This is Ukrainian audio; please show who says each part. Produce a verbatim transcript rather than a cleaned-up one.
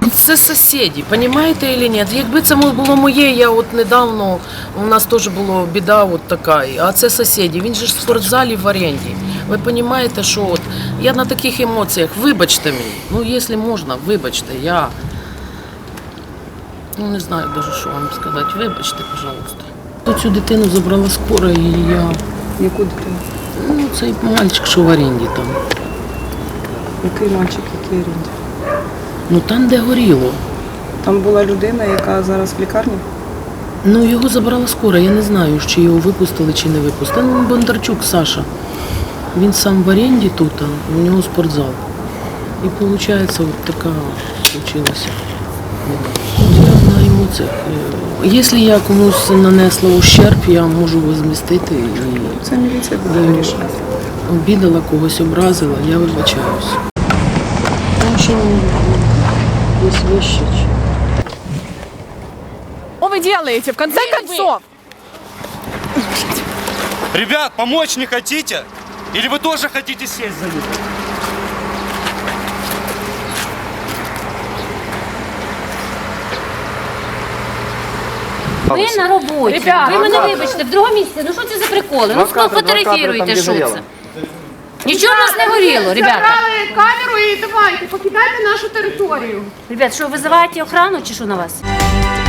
Speaker 1: Це сусіди, розумієте чи ні? Якби це було моє, я от недавно, у нас теж була біда от така, а це сусіди, він же ж в спортзалі в оренді. Ви розумієте, що от, я на таких емоціях, вибачте мені, ну якщо можна, вибачте, я, ну не знаю навіть, що вам сказати, вибачте, пожалуйста. Цю дитину забрала скоро і я...
Speaker 2: Яку дитину?
Speaker 1: Ну, цей мальчик, що в оренді там.
Speaker 2: Який мальчик, який оренді?
Speaker 1: Ну там, де горіло.
Speaker 2: Там була людина, яка зараз в лікарні?
Speaker 1: Ну, його забрала скоро, я не знаю, чи його випустили, чи не випустили. Ну, Бондарчук Саша. Він сам в оренді тут, а у нього спортзал. І виходить, от така случилася. Я на емоціях. Якщо я комусь нанесла ущерб, я можу возмістити. І
Speaker 2: це міліція буде вирішувати.
Speaker 1: Обідала, когось образила, я вибачаюсь. Тому що є вещи.
Speaker 3: Что вы делаете, в конце концов?
Speaker 4: Ребят, помочь не хотите? Или вы тоже хотите сесть за ним?
Speaker 5: Ви на роботі.
Speaker 3: Ребята,
Speaker 5: ви мене вибачте, в другому місці. Ну що це за приколи? Ну фотографіруйте, що це. Нічого в нас не горіло, ребята.
Speaker 3: Забрали камеру і давайте, покидайте нашу територію.
Speaker 5: Ребят, що, визиваєте охрану чи що на вас?